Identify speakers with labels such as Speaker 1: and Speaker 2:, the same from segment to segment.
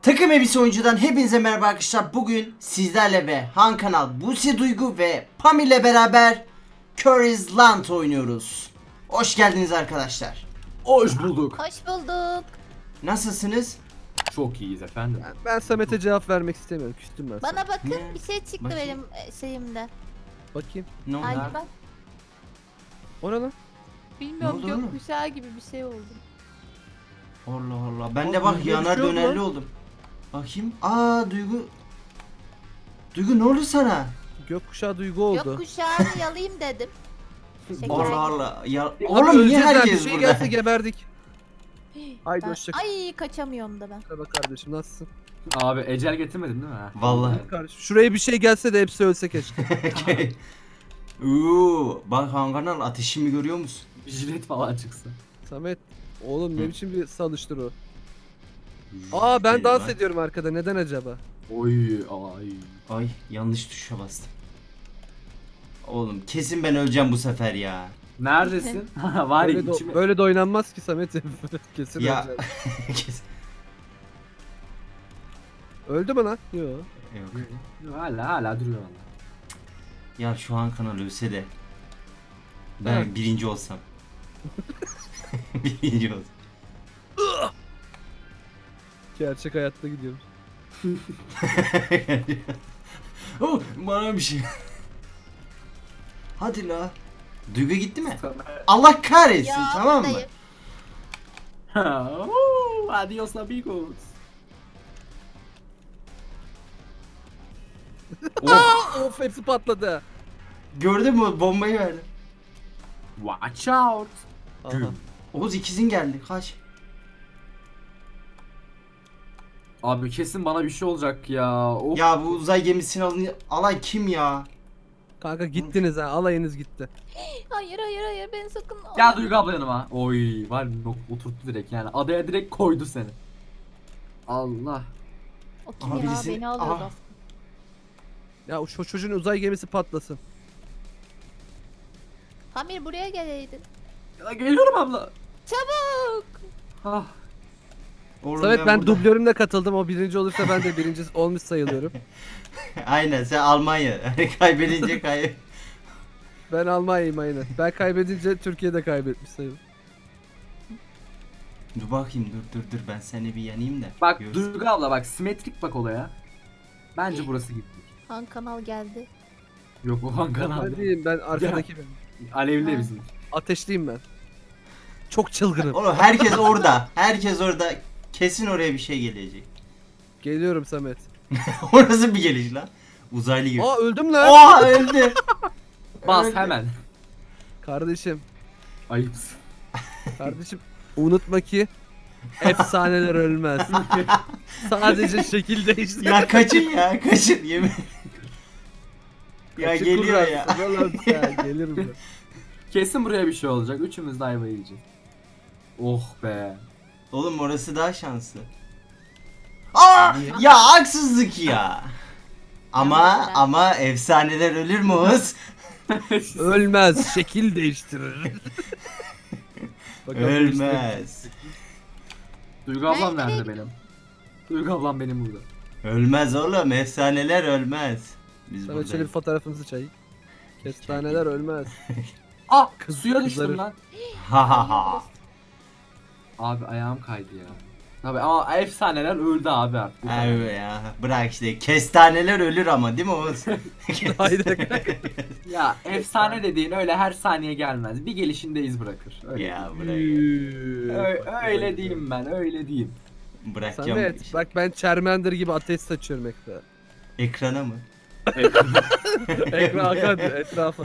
Speaker 1: Takım Elbise Oyuncu'dan hepinize merhaba arkadaşlar. Bugün sizlerle ve Han Kanal, Buse Duygu ve Pam ile beraber Curry's Land oynuyoruz. Hoş geldiniz arkadaşlar.
Speaker 2: Hoş bulduk.
Speaker 3: Hoş bulduk.
Speaker 1: Nasılsınız?
Speaker 2: Çok iyiyiz efendim.
Speaker 4: Ben Samet'e cevap vermek istemiyorum. Küstüm ben sana.
Speaker 3: Bana bakın
Speaker 1: Ne?
Speaker 3: bir şey çıktı
Speaker 1: Bakayım.
Speaker 3: benim şeyimde.
Speaker 4: Bakayım.
Speaker 1: Ne oldu?
Speaker 3: Hadi bak.
Speaker 4: O ne lan?
Speaker 3: Bilmiyorum
Speaker 1: Ne oldu oğlum?
Speaker 3: gökkuşağı gibi bir şey oldu.
Speaker 1: Allah Allah. Ben de
Speaker 4: Oğlum,
Speaker 1: bak
Speaker 4: böyle bir
Speaker 1: yanar
Speaker 4: şey oldu
Speaker 1: dönerli
Speaker 4: lan.
Speaker 1: oldum. Bakayım. Duygu. Duygu ne oldu sana?
Speaker 4: Gökkuşağı duygu oldu.
Speaker 3: Gökkuşağını yalayayım dedim. Şeker.
Speaker 1: Allah Allah. Ya,
Speaker 4: Abi
Speaker 1: oğlum niye
Speaker 4: öleceğiz lan,
Speaker 1: herkes
Speaker 4: bir şey
Speaker 1: burada?
Speaker 4: gelse geberdik. Haydi
Speaker 3: Ben-
Speaker 4: hoşça kal.
Speaker 3: Ay kaçamıyorum da ben.
Speaker 4: Merhaba kardeşim, nasılsın?
Speaker 2: Abi ecel getirmedin değil mi?
Speaker 1: Vallahi.
Speaker 4: Kardeşim şuraya bir şey gelse de hepsi ölse keşke.
Speaker 1: Bak Han Kanal, ateşimi görüyor musun?
Speaker 2: Bir jilet falan çıksın.
Speaker 4: Samet oğlum ne
Speaker 1: Hı.
Speaker 4: biçim bir salıştır o. Ben
Speaker 1: Gel
Speaker 4: dans
Speaker 1: lan.
Speaker 4: ediyorum arkada, neden acaba?
Speaker 2: Oy ay.
Speaker 1: Ay yanlış tuşa bastım. Oğlum kesin ben öleceğim bu sefer ya.
Speaker 2: Neredesin? Var ya
Speaker 4: Böyle de,
Speaker 2: içime.
Speaker 4: böyle de oynanmaz ki Samet. Kesin
Speaker 1: Ya.
Speaker 4: öleceğim.
Speaker 1: Kesin.
Speaker 4: Öldü mü lan? Yok.
Speaker 1: Yok.
Speaker 2: Hala duruyor valla.
Speaker 1: Ya şu an kanal ölse de ben
Speaker 4: Evet.
Speaker 1: birinci olsam. Birinci olsam.
Speaker 4: Gerçek hayatta gidiyorum.
Speaker 1: Oh, bana bir şey. Hadi la. Duygu gitti mi? Allah kahretsin,
Speaker 3: Ya
Speaker 1: tamam mı?
Speaker 3: buradayım.
Speaker 2: Adios amigos.
Speaker 1: Oh,
Speaker 4: Of, hepsi patladı.
Speaker 1: gördün mü bombayı verdim.
Speaker 2: Watch out.
Speaker 4: Aha.
Speaker 2: Güm.
Speaker 1: Oğuz ikizin geldi, kaç.
Speaker 2: Abi kesin bana bir şey olacak ya. Of.
Speaker 1: Ya bu uzay gemisini alan kim ya?
Speaker 4: Kanka gittiniz ha, alayınız gitti.
Speaker 3: Hayır hayır hayır beni sakın.
Speaker 2: Gel Duygu abla yanıma. Oy var oturttu direkt yani. Adaya direkt koydu seni. Allah.
Speaker 3: O kim
Speaker 1: Aha,
Speaker 3: ya
Speaker 1: birisi-
Speaker 3: beni alıyordu
Speaker 1: Aha.
Speaker 3: aslında.
Speaker 4: Ya şu çocuğun uzay gemisi patlasın.
Speaker 3: Pamir buraya geleydin.
Speaker 2: Ya geliyorum abla.
Speaker 3: Çabuk.
Speaker 2: Ah.
Speaker 1: Oğlum
Speaker 4: Samet ben
Speaker 1: burada-
Speaker 4: dublörümle katıldım. O birinci olursa ben de birinci olmuş sayılıyorum.
Speaker 1: Aynen, sen Almanya. Kaybedince
Speaker 4: Ben Almanya'yım aynen. Ben kaybedince Türkiye'de kaybetmiş sayılır.
Speaker 1: Dur bakayım, dur ben seni bir yanayım da.
Speaker 2: Bak
Speaker 1: Görsün.
Speaker 2: Duygu abla bak simetrik bak olaya. Bence burası gitti.
Speaker 3: Han kanal geldi.
Speaker 2: Yok o Hakan
Speaker 4: Ben
Speaker 2: abi.
Speaker 4: değilim, ben arkadaki benim.
Speaker 2: Alevli de
Speaker 3: Ha.
Speaker 2: bizim.
Speaker 4: Ateşliyim ben. Çok çılgınım.
Speaker 1: Oğlum herkes orada. Herkes orada. Kesin oraya bir şey gelecek.
Speaker 4: Geliyorum Samet.
Speaker 1: Orası bir geliş lan. Uzaylı gibi.
Speaker 4: Aa öldüm lan.
Speaker 1: Oha, öldü.
Speaker 2: Bas
Speaker 1: Öldü.
Speaker 2: hemen.
Speaker 4: Kardeşim.
Speaker 2: Ayıpsın.
Speaker 4: Kardeşim unutma ki efsaneler ölmez. Sadece şekil değişti.
Speaker 1: Ya kaçın ya, kaçın yemin. Ya
Speaker 4: Kaçı
Speaker 1: geliyor ya.
Speaker 4: kurarsın oğlum sen, gelirim ben.
Speaker 2: Kesin buraya bir şey olacak. Üçümüz de ayva yiyeceğiz. Oh be.
Speaker 1: Oğlum orası daha şanslı. Aa! Ya haksızlık ya. Ama efsaneler ölür mü Oğuz?
Speaker 4: Ölmez, şekil değiştirir. Bakalım
Speaker 1: Ölmez.
Speaker 2: Duygu ablam
Speaker 3: Ben nereye
Speaker 2: nerede benim? Duygu ablam benim burada.
Speaker 1: Ölmez oğlum, efsaneler ölmez. Biz
Speaker 4: Samet şöyle bir
Speaker 1: buradayız.
Speaker 4: fotoğrafımızı çayayım. Kestaneler ölmez.
Speaker 2: Ah suya düştüm
Speaker 4: Kızarır.
Speaker 2: lan.
Speaker 1: Ha ha ha.
Speaker 2: Abi ayağım kaydı ya. Abi ama efsaneler öldü abi artık.
Speaker 1: Evet ya, bırak işte, kestaneler ölür ama değil mi Oğuz?
Speaker 4: Haydi.
Speaker 2: Ya efsane dediğin öyle her saniye gelmez. Bir gelişinde iz bırakır. Öyle
Speaker 1: Ya bırak ya.
Speaker 2: Öyle diyeyim ben, öyle diyeyim.
Speaker 1: Bırakacağım.
Speaker 4: Samet bak ben Charmander gibi ateş saçıyorum ekrana.
Speaker 1: Ekrana mı?
Speaker 4: Ekran akan etrafa.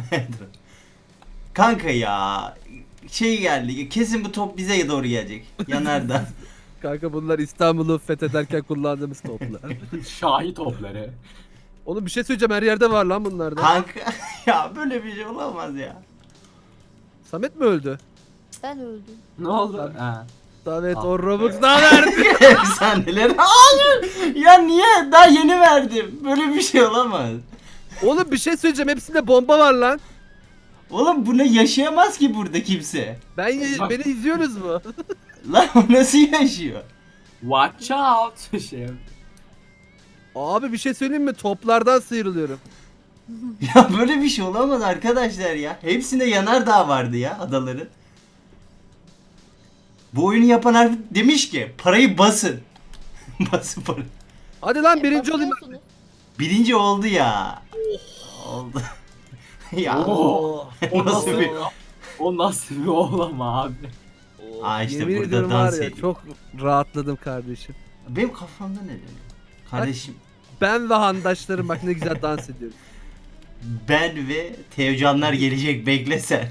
Speaker 1: Kanka ya, şey geldi, kesin bu top bize doğru gelecek. Yanardan.
Speaker 4: Kanka bunlar İstanbul'u fethederken kullandığımız toplar.
Speaker 2: Şahi topları.
Speaker 4: Oğlum bir şey söyleyeceğim, her yerde var lan bunlarda.
Speaker 1: Kanka ya, böyle bir şey olamaz ya.
Speaker 4: Samet mi öldü?
Speaker 3: Ben öldüm.
Speaker 2: Ne oldu?
Speaker 4: Tabii.
Speaker 2: Ha.
Speaker 4: Samet
Speaker 2: Ah.
Speaker 4: o Robux daha verdi.
Speaker 1: Efsaneler. Hayır. Ya niye? Daha yeni verdim. Böyle bir şey olamaz.
Speaker 4: Oğlum bir şey söyleyeceğim, hepsinde bomba var lan.
Speaker 1: Oğlum buna yaşayamaz ki burada kimse.
Speaker 4: Beni izliyorsunuz mu?
Speaker 1: Lan o nasıl yaşıyor?
Speaker 2: Watch out. Şey.
Speaker 4: Abi bir şey söyleyeyim mi? Toplardan sıyrılıyorum.
Speaker 1: Ya böyle bir şey olamaz arkadaşlar ya. Hepsinde yanardağ vardı ya adaların. Bu oyunu yapan harf demiş ki parayı basın. Basın parayı.
Speaker 4: Hadi lan birinci olayım.
Speaker 3: Basıyorsunuz.
Speaker 1: Birinci oldu ya. Oldu. ya.
Speaker 2: Oo. O
Speaker 1: Nasıl
Speaker 2: nasıl
Speaker 1: bir-
Speaker 2: O nasıl bir oğlama abi?
Speaker 1: Aa işte
Speaker 4: Yemin
Speaker 1: burada
Speaker 4: ediyorum
Speaker 1: dans
Speaker 4: var ya,
Speaker 1: ediyor.
Speaker 4: çok rahatladım kardeşim.
Speaker 1: Benim kafamda ne dönüyor? Kardeşim
Speaker 4: Ben ve handaşlarım bak ne güzel dans ediyoruz.
Speaker 1: ben ve Teocanlar gelecek bekle sen.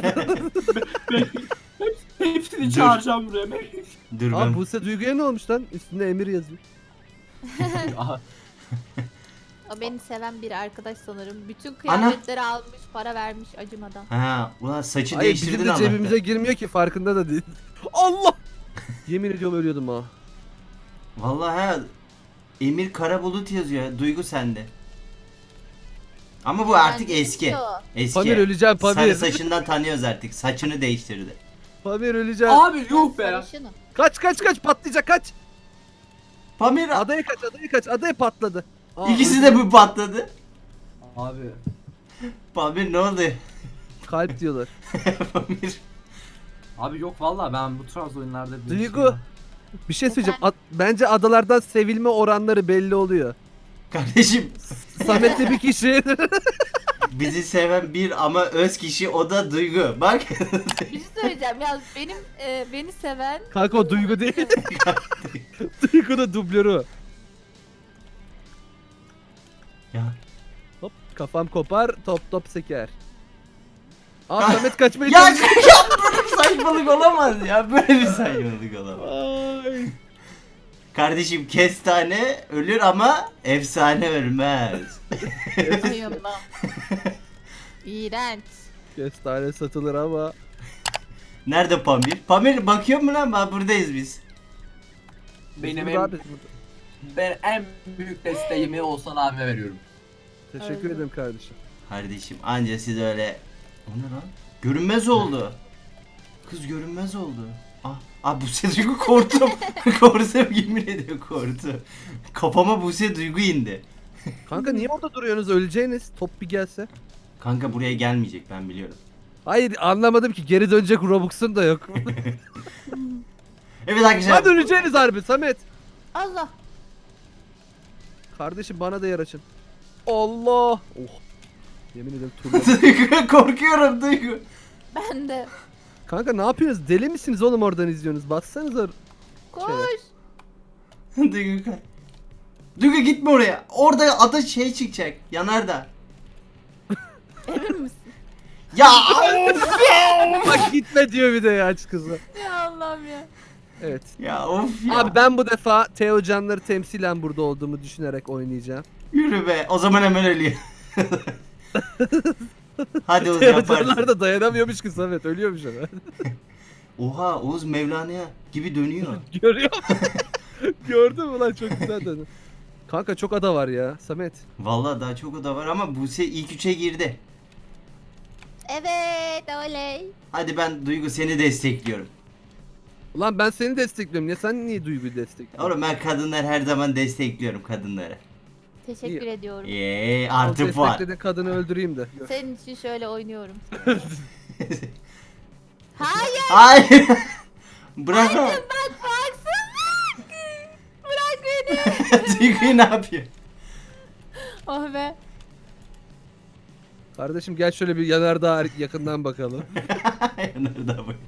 Speaker 2: Hepsini
Speaker 1: Dur.
Speaker 2: çağıracağım buraya.
Speaker 1: Dur
Speaker 4: Abi
Speaker 1: ben.
Speaker 4: Buse Duygu'ya ne olmuş lan? Üstünde Emir yazıyor.
Speaker 2: Aha,
Speaker 3: O beni seven bir arkadaş sanırım. Bütün kıyafetleri almış, para vermiş acımadan.
Speaker 1: Ha, ulan saçı
Speaker 4: Hayır bizim
Speaker 1: değiştirdin
Speaker 4: de
Speaker 1: Allah'tan.
Speaker 4: cebimize girmiyor ki farkında da değil. Allah! Yemin ediyorum ölüyordum ha.
Speaker 1: Vallahi ha, Emir Karabulut yazıyor. Duygu sende. Ama bu artık
Speaker 3: Yani
Speaker 1: eski.
Speaker 3: diyor.
Speaker 1: Eski.
Speaker 4: Pamir öleceğim
Speaker 1: Sarı
Speaker 4: Pamir.
Speaker 1: saçından tanıyoruz artık. Saçını değiştirdi.
Speaker 4: Pamir öleceğim.
Speaker 2: abi yuh be.
Speaker 3: Sarışınım.
Speaker 4: Kaç patlayacak kaç.
Speaker 1: Pamir
Speaker 4: Adaya kaç adaya patladı. Aa,
Speaker 1: ikisi de bu patladı.
Speaker 2: Abi.
Speaker 1: Pamir ne oldu?
Speaker 4: kalp diyorlar.
Speaker 1: Pamir.
Speaker 2: Abi yok vallahi ben bu tarz oyunlarda bir
Speaker 4: Duygu.
Speaker 2: şey-
Speaker 4: Bir şey söyleyeceğim. Bence adalardan sevilme oranları belli oluyor.
Speaker 1: Kardeşim
Speaker 4: Samet'le bir kişi.
Speaker 1: bizi seven bir ama öz kişi o da Duygu. Bak.
Speaker 3: Bir şey söyleyeceğim ya beni seven
Speaker 4: Kanka o Duygu değil. Duygu da dublörü o.
Speaker 1: ya.
Speaker 4: Hop kafam kopar top seker. Aa Samet kaçmayı
Speaker 1: Ya böyle bir saçmalık olamaz ya. Böyle bir saçmalık olamaz.
Speaker 4: Ay.
Speaker 1: Kardeşim kestane ölür ama efsane ölmez.
Speaker 3: Ay Allah. İğrenç.
Speaker 4: Kestane satılır ama.
Speaker 1: Nerede Pamir? Pamir bakıyor mu lan? Bak buradayız biz.
Speaker 2: Benim
Speaker 4: Burada
Speaker 2: en,
Speaker 4: abi, burada.
Speaker 2: ben en büyük desteğimi Oğuzhan abime veriyorum.
Speaker 4: Teşekkür
Speaker 3: Öyle.
Speaker 4: ederim kardeşim.
Speaker 1: Kardeşim anca siz öyle... O ne lan? Görünmez oldu. Kız görünmez oldu. Ah Buse Duygu korktum. Korktum yemin ediyorum korktum. Kafama Buse Duygu indi.
Speaker 4: Kanka niye orada duruyorsunuz öleceğiniz? Top bir gelse.
Speaker 1: Kanka buraya gelmeyecek ben biliyorum.
Speaker 4: Hayır anlamadım ki geri dönecek Robux'un da yok.
Speaker 1: Evet arkadaşlar.
Speaker 4: Lan öleceğiniz harbi Samet.
Speaker 3: Allah.
Speaker 4: Kardeşim bana da yer açın. Allah. Oh. Yemin ederim turla.
Speaker 1: Duygu korkuyorum Duygu.
Speaker 3: Ben de.
Speaker 4: Kanka ne yapıyorsunuz? Deli misiniz oğlum oradan izliyorsunuz? Bassanıza.
Speaker 3: Koş.
Speaker 1: Duygu kay. Duygu gitme oraya. Orada ada şey çıkacak. Yanardağ.
Speaker 3: Emin misin?
Speaker 1: Ya
Speaker 4: Bak gitme diyor bir de ya aç kızı.
Speaker 3: Ya Allah'ım ya.
Speaker 4: Evet.
Speaker 1: ya of ya.
Speaker 4: Abi ben bu defa Teo Canları temsilen burada olduğumu düşünerek oynayacağım.
Speaker 1: Yürü be. O zaman hemen ölüyor. Hadi Oğuz
Speaker 4: Teo
Speaker 1: yaparsın.
Speaker 4: Canlar da dayanamıyormuş ki Samet ölüyormuş ama.
Speaker 1: Oha Oğuz Mevlana'ya gibi dönüyor.
Speaker 4: Görüyor musun? Gördün mü lan çok güzel dönüyor. Kanka çok ada var ya Samet.
Speaker 1: Vallahi daha çok oda var ama Buse ilk üçe girdi.
Speaker 3: Evet oley.
Speaker 1: Hadi ben Duygu seni destekliyorum.
Speaker 4: Ulan ben seni destekliyorum ya sen niye Duygu'yu destekliyorsun?
Speaker 1: Oğlum ben kadınlar her zaman destekliyorum kadınları.
Speaker 3: Teşekkür
Speaker 4: İyi.
Speaker 3: ediyorum.
Speaker 1: Artı puan.
Speaker 4: Desteklediğin kadını öldüreyim de.
Speaker 3: Senin için şöyle oynuyorum. Hayır
Speaker 1: Hayır. Bırak.
Speaker 3: bak haksızlık. Bırak beni.
Speaker 1: Duygu'yu ne yapıyor?
Speaker 3: Oh be.
Speaker 4: Kardeşim gel şöyle bir yanardağ yakından bakalım.
Speaker 1: Yanardağ bakın.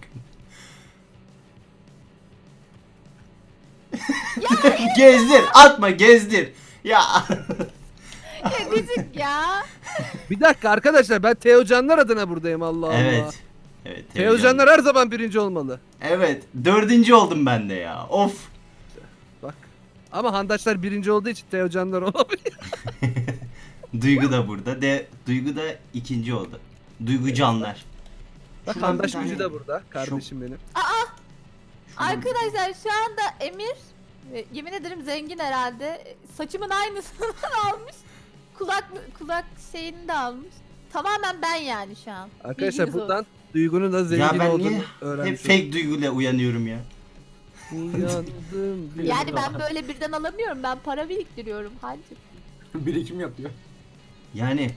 Speaker 1: Gezdir. Atma gezdir. Ya.
Speaker 3: Ya gıcık ya.
Speaker 4: Bir dakika arkadaşlar ben Teo Canlar adına buradayım Allah Allah.
Speaker 1: Evet. Evet.
Speaker 4: Teo Canlar her zaman birinci olmalı.
Speaker 1: Evet. 4. oldum ben de ya. Of.
Speaker 4: Bak. Ama handaşlar birinci olduğu için Teo Canlar olabilir.
Speaker 1: Duygu da burada. Duygu da 2. oldu. Duygu Canlar.
Speaker 4: Bak
Speaker 1: Şuradan
Speaker 4: handaş
Speaker 1: bir tane-
Speaker 4: gücü de burada. Kardeşim benim.
Speaker 1: Şuradan-
Speaker 3: Arkadaşlar şu anda Emir yemin ederim zengin herhalde. Saçımın aynısını almış. Kulak şeyini de almış. Tamamen ben yani şu an.
Speaker 4: Arkadaşlar
Speaker 3: Bilginiz
Speaker 4: buradan Duygu'nun da zengin
Speaker 1: Ya ben
Speaker 4: olduğunu
Speaker 1: niye hep
Speaker 4: öğrenmiş olduk.
Speaker 1: fake duyguyla uyanıyorum ya?
Speaker 4: Uyandım. bir
Speaker 3: Yani
Speaker 4: anda.
Speaker 3: ben böyle birden alamıyorum. Ben para biriktiriyorum hacı.
Speaker 2: Birikim yapıyor.
Speaker 1: Yani.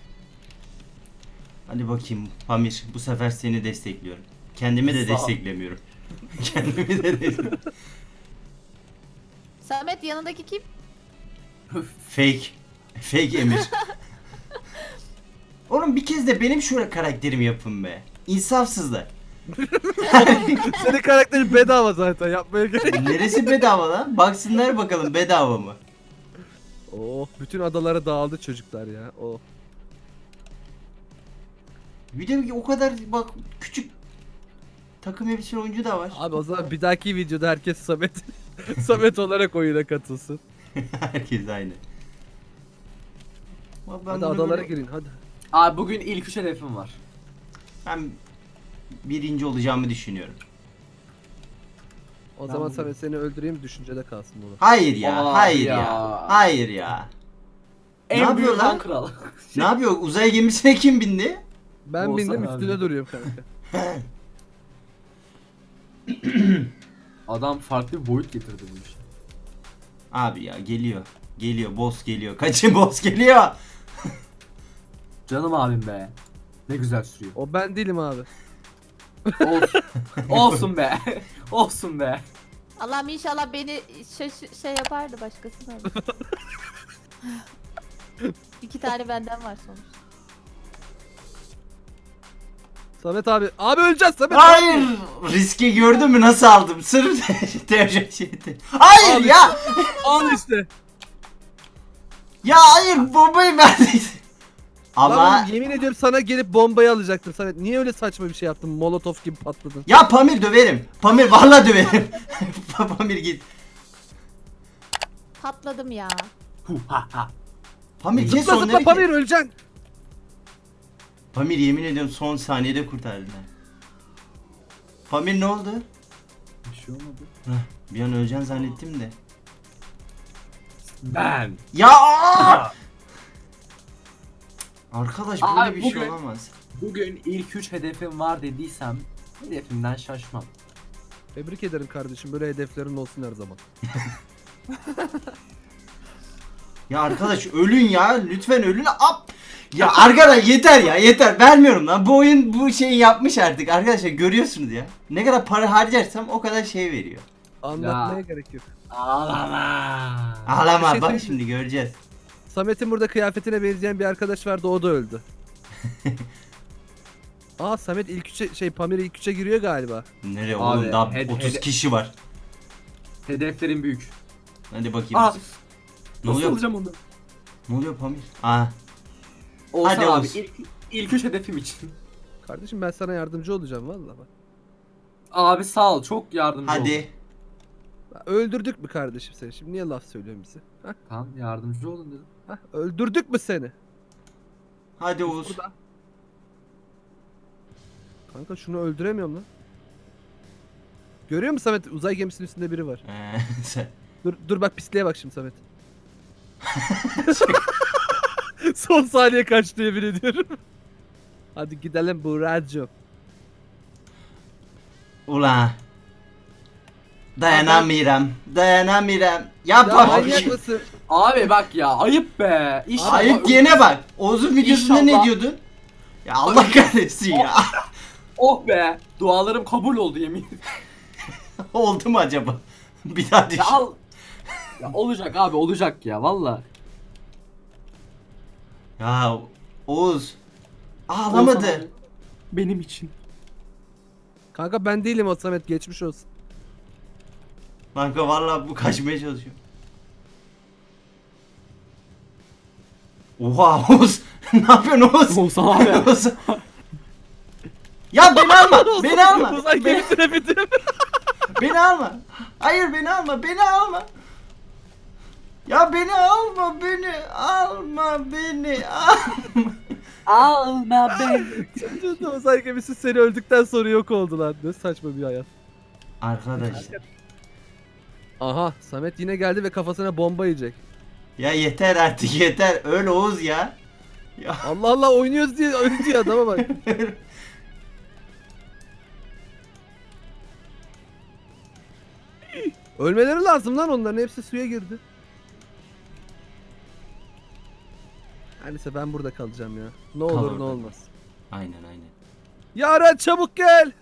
Speaker 1: Hadi bakayım Pamir, bu sefer seni destekliyorum. Kendimi de
Speaker 2: Sağ ol.
Speaker 1: desteklemiyorum. Kendimi de desteklemiyorum.
Speaker 3: Samet yanındaki kim?
Speaker 1: Fake. Fake Emir. Oğlum bir kez de benim şu karakterimi yapın be. İnsafsızlar.
Speaker 4: Senin karakterin bedava zaten yapmaya gerek.
Speaker 1: Neresi bedava lan? Baksınlar bakalım bedava mı?
Speaker 4: Oh bütün adalara dağıldı çocuklar ya. Oh.
Speaker 1: Bir de o kadar bak küçük takım elbiseli oyuncu da var.
Speaker 4: Abi o zaman bir dahaki videoda herkes Samet Samet olarak oyuna katılsın.
Speaker 1: Herkes aynı. Ama ben
Speaker 4: Hadi
Speaker 1: bunu
Speaker 4: adalara
Speaker 1: böyle-
Speaker 4: girin hadi.
Speaker 2: Abi bugün ilk 3 hedefim var.
Speaker 1: Ben birinci olacağımı düşünüyorum.
Speaker 4: O
Speaker 2: Ben
Speaker 4: zaman
Speaker 2: bugün-
Speaker 4: Samet seni öldüreyim düşüncede kalsın bunu.
Speaker 1: Hayır ya,
Speaker 2: Aa,
Speaker 1: hayır
Speaker 2: ya.
Speaker 1: ya. Hayır ya. Ne
Speaker 2: En
Speaker 1: yapıyor
Speaker 2: büyük
Speaker 1: lan?
Speaker 2: Han kral.
Speaker 1: Ne yapıyor? Uzay gemisine kim bindi?
Speaker 4: Ben
Speaker 2: Olsa
Speaker 4: bindim
Speaker 2: abi.
Speaker 4: üstüne duruyorum kanka.
Speaker 2: Adam farklı bir boyut getirdi bu işe.
Speaker 1: Abi ya geliyor. Geliyor, boss geliyor. Kaçın boss geliyor.
Speaker 2: Canım abim be. Ne güzel sürüyor.
Speaker 4: O ben değilim abi.
Speaker 2: Olsun. Olsun be. Olsun be.
Speaker 3: Allah'ım inşallah beni şey yapardı başkasına. İki tane benden var sonuçta.
Speaker 4: Samet abi. Abi öleceğiz Samet.
Speaker 1: Hayır. Riski gördün mü nasıl aldım? Sırf tercih şeydi. Hayır
Speaker 4: Abi.
Speaker 1: ya.
Speaker 4: Al işte.
Speaker 1: Ya hayır bombayı verdin. Ama
Speaker 4: Lan oğlum, yemin ediyorum sana gelip bombayı alacaktım Samet. Niye öyle saçma bir şey yaptın? Molotof gibi patladın.
Speaker 1: ya Pamir döverim. Pamir vallahi döverim. Pamir git.
Speaker 3: Patladım ya.
Speaker 2: Hu ha ha.
Speaker 1: Pamir kes
Speaker 4: Zıpla zıpla
Speaker 1: onları.
Speaker 4: Pamir öleceksin.
Speaker 1: Pamir yemin ediyorum son saniyede kurtardın ha. Pamir ne oldu?
Speaker 2: Bir şey olmadı.
Speaker 1: Heh, bir an öleceksin zannettim de.
Speaker 2: Ben.
Speaker 1: Ya aa! Arkadaş böyle
Speaker 2: Abi
Speaker 1: bir şey
Speaker 2: bugün-
Speaker 1: olamaz.
Speaker 2: Bugün ilk 3 hedefim var dediysem hedefimden şaşmam.
Speaker 4: Tebrik ederim kardeşim. Böyle hedeflerin olsun her zaman.
Speaker 1: Ya arkadaş ölün ya lütfen ölün. Ap! Ya arkadaş yeter ya yeter vermiyorum lan. Bu oyun bu şeyi yapmış artık arkadaşlar görüyorsunuz ya. Ne kadar para harcarsam o kadar şey veriyor.
Speaker 4: Anlatmaya
Speaker 2: Ya.
Speaker 4: gerek yok.
Speaker 2: Ağlama.
Speaker 1: Ağlama
Speaker 4: Bir şey
Speaker 1: bak
Speaker 4: söyleyeyim
Speaker 1: şimdi göreceğiz.
Speaker 4: Samet'in burada kıyafetine benzeyen bir arkadaş vardı o da öldü. Aa Samet ilk üçe Pamir ilk üçe giriyor galiba.
Speaker 1: Nereye
Speaker 2: Abi,
Speaker 1: oğlum daha
Speaker 2: hed-
Speaker 1: 30
Speaker 2: hed-
Speaker 1: kişi var.
Speaker 2: Hedeflerim büyük.
Speaker 1: Hadi bakayım.
Speaker 2: Aa,
Speaker 1: ne
Speaker 2: nasıl
Speaker 1: oluyor?
Speaker 2: alacağım onu?
Speaker 1: Ne oluyor Pamir? Aa
Speaker 2: Olsan
Speaker 1: Hadi
Speaker 2: abi
Speaker 1: Oğuz.
Speaker 2: ilk 3 hedefim için.
Speaker 4: Kardeşim ben sana yardımcı olacağım vallahi bak.
Speaker 2: Abi sağ ol çok yardımcı oldun.
Speaker 1: hadi.
Speaker 4: Öldürdük mü kardeşim seni? Şimdi niye laf söylüyorsun bize? Hah,
Speaker 2: Tamam yardımcı olun dedim.
Speaker 4: hah, öldürdük mü seni?
Speaker 1: Hadi Oğuz.
Speaker 4: Burada. Kanka şunu öldüremiyorum lan. Görüyor musun Samet? Uzay gemisinin üstünde biri var.
Speaker 1: Sen-
Speaker 4: Dur bak pisliğe bak şimdi Samet. Son saniye kaçtı yemin ediyorum. Hadi gidelim Buracığım.
Speaker 1: Ulan. Dayanamıyorum. Dayanamıyorum. Ya
Speaker 4: Ya
Speaker 1: Pamir.
Speaker 4: manyak mısın?
Speaker 2: Abi bak ya ayıp be. İnşallah
Speaker 1: Ayıp diyene bak. Oğuz'un videosunda ne
Speaker 2: İnşallah.
Speaker 1: diyordun? Ya Allah kahretsin ya.
Speaker 2: Oh be. Dualarım kabul oldu yemin ederim.
Speaker 1: Oldu mu acaba? Bir daha düşün.
Speaker 2: Ya al. Ya olacak abi olacak ya valla.
Speaker 1: Ya Oğuz.
Speaker 2: Olsan
Speaker 1: Ağlamadı.
Speaker 2: abi, benim için.
Speaker 4: Kanka ben değilim o Samet geçmiş olsun.
Speaker 1: Kanka vallahi bu kaçmaya çalışıyor. Oha Oğuz. Ne yapıyorsun Oğuz?
Speaker 2: Olsan abi.
Speaker 1: Oğuz. Ya beni alma. Beni alma.
Speaker 4: Uzay
Speaker 1: Beni,
Speaker 4: gemisine bitir.
Speaker 1: beni alma. Hayır beni alma. Beni alma. Ya beni alma. Beni alma. Beni alma.
Speaker 2: Alma beni.
Speaker 4: Uzay gemisi seni öldükten sonra yok oldu lan. Ne saçma bir hayat.
Speaker 1: Arkadaş.
Speaker 4: Aha Samet yine geldi ve kafasına bomba yiyecek.
Speaker 1: Ya yeter artık yeter. Öl Oğuz ya. Ya
Speaker 4: Allah Allah oynuyoruz diye öldü ya adama bak. Ölmeleri lazım lan onların. Hepsi suya girdi. Her neyse ben burada kalacağım ya. Ne
Speaker 1: Kal
Speaker 4: olur ne
Speaker 1: orada.
Speaker 4: olmaz.
Speaker 1: Aynen aynen.
Speaker 4: Yaren çabuk gel.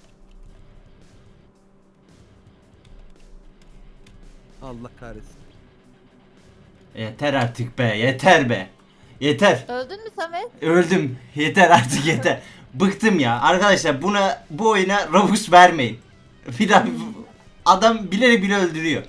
Speaker 4: Allah kahretsin.
Speaker 1: Yeter artık be, yeter be. Yeter.
Speaker 3: Öldün mü Samet?
Speaker 1: Öldüm. Yeter artık yeter. Bıktım ya. Arkadaşlar bu oyuna Robux vermeyin. Bir daha adam bilerek bile öldürüyor.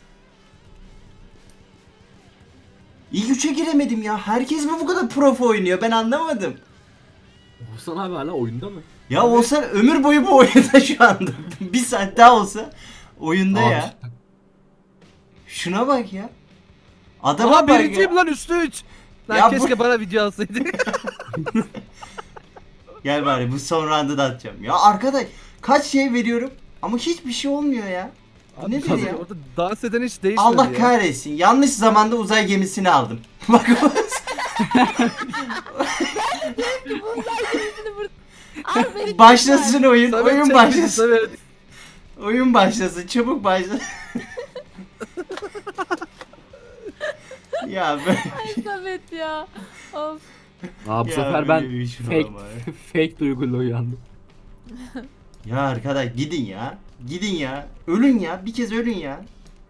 Speaker 1: İlk üçe giremedim ya. Herkes mi bu kadar prof oynuyor? Ben anlamadım.
Speaker 2: Oğuzhan abi hala oyunda mı?
Speaker 1: Ya olsa ömür boyu bu oyunda şu anda. Bir saat daha olsa oyunda
Speaker 2: Abi,
Speaker 1: ya. Şuna bak ya. Adama
Speaker 4: Ama
Speaker 1: bak
Speaker 4: birinciyim
Speaker 1: ya.
Speaker 4: lan üstü 3. Lan
Speaker 1: Ya
Speaker 4: keşke bana video alsaydı.
Speaker 1: Gel bari bu son round'u da atacağım. Ya arkadaş kaç şey veriyorum ama hiçbir şey olmuyor ya. Bu nedir ya?
Speaker 4: Orada dans eden hiç değişmedi
Speaker 1: Allah
Speaker 4: ya.
Speaker 1: kahretsin. Yanlış zamanda uzay gemisini aldım. Bak
Speaker 3: Al beni.
Speaker 1: başlasın oyun.
Speaker 4: Samet
Speaker 1: Oyun
Speaker 4: çek bizi,
Speaker 1: başlasın.
Speaker 4: Samet.
Speaker 1: Oyun başlasın. Çabuk başlasın. Ya ben
Speaker 3: Ay Samet ya. Of.
Speaker 2: Aa bu
Speaker 1: Ya
Speaker 2: sefer ben
Speaker 1: böyle bir şey
Speaker 2: fake
Speaker 1: olamaz.
Speaker 2: fake duyguyla uyandım.
Speaker 1: Ya arkadaş gidin ya. Gidin ya. Ölün ya. Bir kez ölün ya.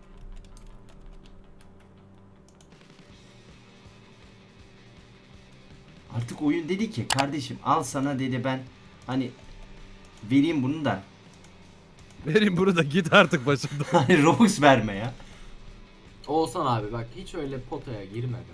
Speaker 1: Artık oyun dedi ki kardeşim al sana dedi ben hani vereyim bunu da
Speaker 4: Verin bunu da git artık başımdan.
Speaker 1: hani Robux verme ya.
Speaker 2: Oğuzhan abi bak hiç öyle potaya girme be.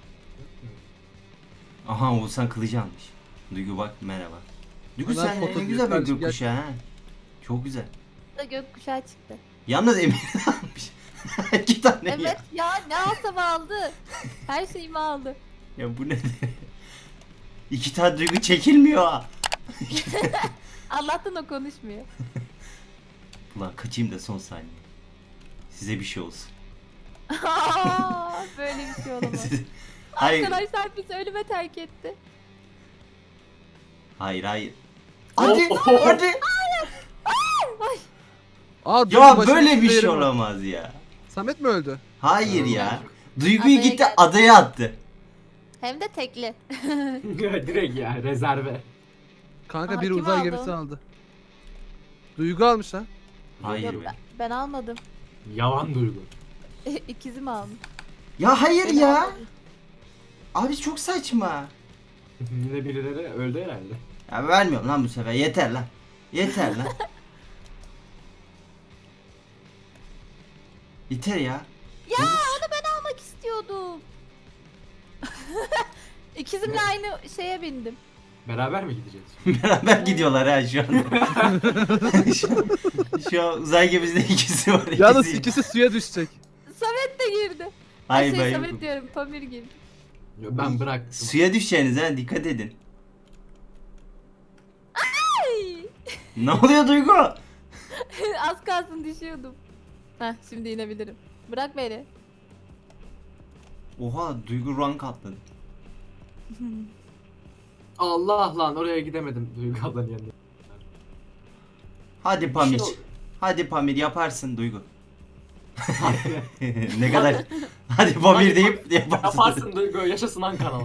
Speaker 1: Aha Oğuzhan kılıcı almış. Duygu bak merhaba. Duygu
Speaker 4: Hemen
Speaker 1: sen
Speaker 4: foto
Speaker 1: ne
Speaker 4: diyor
Speaker 1: güzel bir
Speaker 4: kardeşim, gel.
Speaker 1: gökkuşağı ha. Çok güzel.
Speaker 3: Da gökkuşağı çıktı.
Speaker 1: Yalnız Emir almış. 2 tane
Speaker 3: Evet
Speaker 1: ya.
Speaker 3: ya ne alsam aldı. Her şeyimi aldı.
Speaker 1: Ya bu ne? 2 tane Duygu çekilmiyor ha.
Speaker 3: Allah'tan o konuşmuyor.
Speaker 1: Ulan kaçayım da son saniye. Size bir şey olsun.
Speaker 3: Aa, böyle bir şey olamaz.
Speaker 1: Hayır.
Speaker 3: Arkadaşlar bizi ölüme terk etti.
Speaker 1: Hayır hayır. Hadi
Speaker 2: Oh.
Speaker 1: hadi.
Speaker 4: Aa, dur,
Speaker 1: Ya
Speaker 4: başımın
Speaker 1: böyle bir
Speaker 4: üstünde
Speaker 1: şey
Speaker 4: yerim var.
Speaker 1: olamaz ya.
Speaker 4: Samet mi öldü?
Speaker 1: Hayır ya. Duyguyu
Speaker 3: Adaya
Speaker 1: gitti
Speaker 3: geldi.
Speaker 1: adaya attı.
Speaker 3: Hem de tekli.
Speaker 2: Direkt ya rezerve.
Speaker 4: Kanka
Speaker 3: Aa,
Speaker 4: biri
Speaker 3: kim
Speaker 4: uzay
Speaker 3: aldı
Speaker 4: gemisi
Speaker 3: onu?
Speaker 4: aldı. Duygu almış lan.
Speaker 1: Hayır
Speaker 3: Yok,
Speaker 1: be.
Speaker 3: ben almadım.
Speaker 2: Yalan duygu.
Speaker 3: İkizim almış.
Speaker 1: Ya hayır
Speaker 3: Ben
Speaker 1: ya.
Speaker 3: almadım.
Speaker 1: Abi çok saçma.
Speaker 2: Yine birileri öldü herhalde.
Speaker 1: Ya vermiyorum lan bu sefer. Yeter lan. Yeter lan. Yeter ya.
Speaker 3: Ya onu ben almak istiyordum. İkizimle aynı şeye bindim.
Speaker 2: Beraber mi gideceğiz?
Speaker 1: Beraber gidiyorlar ha şu anda. şu an uzay gemisinde ikisi var.
Speaker 4: Yalnız
Speaker 1: ikisi-
Speaker 4: ikisi suya düşecek.
Speaker 3: Samet de girdi.
Speaker 1: Hayır
Speaker 3: Ay
Speaker 1: ben
Speaker 3: Samet
Speaker 1: yokum.
Speaker 3: diyorum Pamir girdi.
Speaker 2: Yo, ben bıraktım.
Speaker 1: Suya düşeceğiniz ha dikkat edin.
Speaker 3: Ay.
Speaker 1: Ne oluyor Duygu?
Speaker 3: Az kalsın düşüyordum. Heh şimdi inebilirim. Bırak beni.
Speaker 1: Oha Duygu rank atladı.
Speaker 2: Allah lan oraya gidemedim Duygu ablanın yanına.
Speaker 1: Hadi
Speaker 2: Bir
Speaker 1: Pamir.
Speaker 2: şey ol-
Speaker 1: Hadi Pamir yaparsın Duygu. Ne kadar. Hadi Pamir deyip yaparsın.
Speaker 2: Yaparsın Duygu yaşasın Ankara.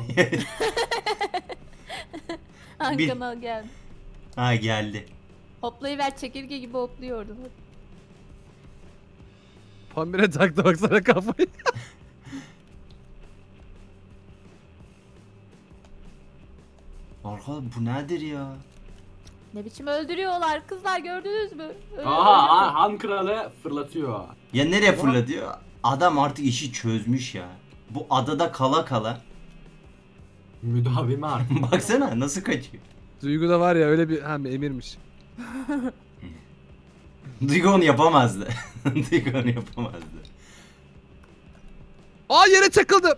Speaker 1: Bir-
Speaker 3: Hakan al geldi.
Speaker 1: Ha geldi.
Speaker 3: Hoplayıver çekirge gibi hopluyordum.
Speaker 4: Pamir'e taktı baksana kafayı.
Speaker 1: Arkadaş bu nedir ya?
Speaker 3: Ne biçim öldürüyorlar kızlar gördünüz mü?
Speaker 2: Aha Han kralı fırlatıyor.
Speaker 1: Ya nereye fırlatıyor? Adam artık işi çözmüş ya. Bu adada kala kala.
Speaker 2: Müdavimi artık.
Speaker 1: Baksana nasıl kaçıyor.
Speaker 4: Duygu da var ya öyle bir hem emirmiş.
Speaker 1: Duygu onu yapamazdı. Duygu onu yapamazdı.
Speaker 4: Aa yere çakıldım.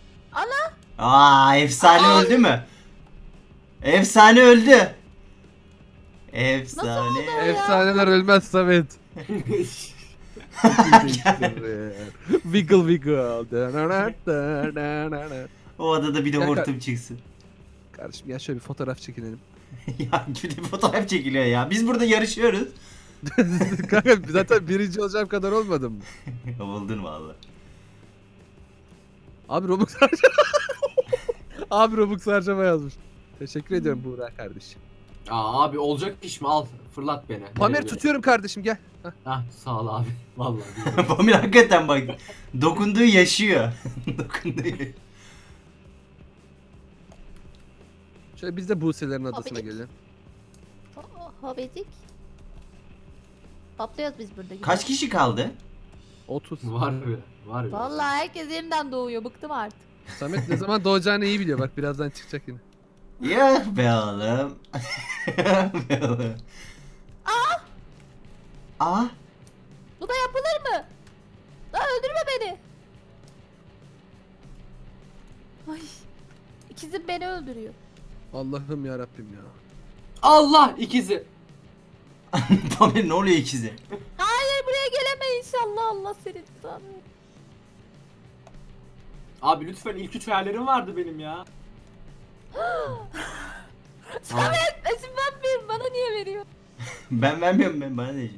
Speaker 1: Aa efsane öldü mü? Efsane öldü. Efsane.
Speaker 3: oldu?
Speaker 4: Efsaneler ölmez Samet. Wiggle wiggle.
Speaker 1: O adada bir de
Speaker 4: Kanka-
Speaker 1: hortum çıksın.
Speaker 4: Kardeşim ya şöyle bir fotoğraf çekinelim.
Speaker 1: Ya bir de fotoğraf çekiliyor ya. Biz burada yarışıyoruz.
Speaker 4: Kanka zaten birinci olacağım kadar olmadım mı?
Speaker 1: Oldun valla.
Speaker 4: Abi Robux harcama. Abi Robux harcama yazmış. Teşekkür ediyorum Buğra kardeşim.
Speaker 2: Aa abi olacak iş mi? Al fırlat beni.
Speaker 4: Pamer
Speaker 2: Nereye
Speaker 4: tutuyorum kardeşim gel. Hah.
Speaker 2: Hah sağ ol abi. Vallahi. billahi.
Speaker 1: Pamir hakikaten bak. Dokunduğu yaşıyor. Dokunduğu yaşıyor.
Speaker 4: Şöyle biz de Buse'lerin adasına
Speaker 3: Abi.
Speaker 4: gelelim.
Speaker 3: Hobedik. Patlıyoruz biz burada.
Speaker 1: Kaç kişi kaldı?
Speaker 4: 30.
Speaker 2: var bir. Var bir.
Speaker 3: Vallahi herkes yerinden doğuyor. Bıktım artık.
Speaker 4: Samet ne zaman doğacağını iyi biliyor. Bak birazdan çıkacak yine.
Speaker 1: Ya be oğlum. Be oğlum. Aa.
Speaker 3: Bu da yapılır mı? Lan öldürme beni. Ay. İkizim beni öldürüyor.
Speaker 4: Allah'ım ya Rabbim ya.
Speaker 2: Allah ikizi.
Speaker 1: Pamir ne oluyor ikizi?
Speaker 3: Hayır buraya geleme inşallah. Allah seni tutar.
Speaker 2: Abi lütfen ilk 3 hayallerim vardı benim ya.
Speaker 3: Samet esim vermiyorum. Bana niye veriyor?
Speaker 1: Ben vermiyorum ben bana diyeceğim.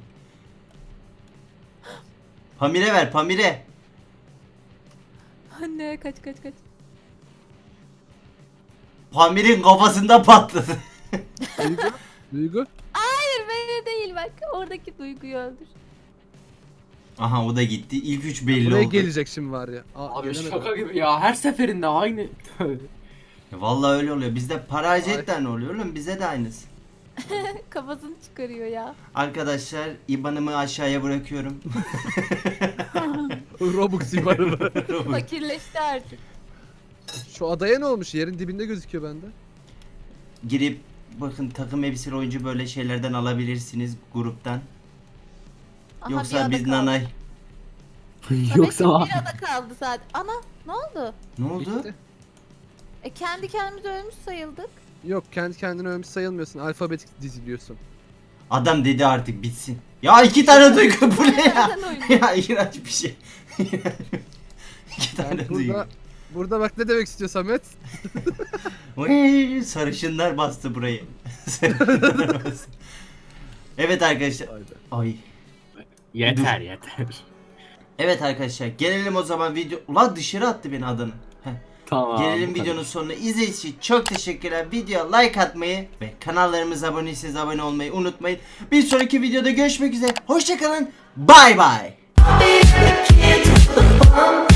Speaker 1: Pamir'e ver Pamir'e.
Speaker 3: Anne kaç.
Speaker 1: Pamir'in kafasında patladı.
Speaker 4: Duygu? Duygu?
Speaker 3: Hayır beni değil bak. Oradaki duyguyu öldür.
Speaker 1: Aha o da gitti. İlk üç belli
Speaker 4: Buraya
Speaker 1: oldu.
Speaker 4: gelecek şimdi var ya.
Speaker 2: Abi
Speaker 4: gelemedi.
Speaker 2: şaka gibi ya. Her seferinde aynı.
Speaker 1: Vallahi öyle oluyor. Bizde para harcayetten ne oluyor oğlum? Bize de aynısı.
Speaker 3: Kafasını çıkarıyor ya.
Speaker 1: Arkadaşlar IBAN'ımı aşağıya bırakıyorum.
Speaker 4: Robux ibarı.
Speaker 3: Fakirleşti artık.
Speaker 4: Şu adaya ne olmuş? Yerin dibinde gözüküyor bende.
Speaker 1: Girip bakın takım elbiseli oyuncu böyle şeylerden alabilirsiniz gruptan.
Speaker 3: Aha, bir
Speaker 1: Yoksa
Speaker 3: ada
Speaker 1: biz
Speaker 3: kaldı.
Speaker 1: nanay.
Speaker 2: Yoksa
Speaker 3: Samet'in bir ada kaldı zaten. Ana ne oldu?
Speaker 1: Ne oldu?
Speaker 4: Bitti.
Speaker 3: Kendi kendimize ölmüş sayıldık.
Speaker 4: Yok kendi kendine ölmüş sayılmıyorsun. Alfabetik diziliyorsun.
Speaker 1: Adam dedi artık bitsin. Ya iki tane duygu bu ne ya?
Speaker 3: Nereden oynuyor?
Speaker 1: Ya iğrenç bir şey. İki tane
Speaker 4: Yani
Speaker 1: duygu.
Speaker 4: burada bak ne demek istiyor Samet?
Speaker 1: Oy, sarışınlar bastı burayı. Sarışınlar bastı. Evet arkadaşlar. Ay.
Speaker 2: yeter yeter.
Speaker 1: Evet arkadaşlar gelelim o zaman video. Ulan dışarı attı beni adını. Heh.
Speaker 2: Tamam.
Speaker 1: Gelelim
Speaker 2: bu kadar.
Speaker 1: videonun sonuna. İzlediğiniz için çok teşekkürler. Videoya like atmayı ve kanallarımıza abone değilseniz abone olmayı unutmayın. Bir sonraki videoda görüşmek üzere. Hoşçakalın. Bay bay.
Speaker 5: Be the kid with the bomb.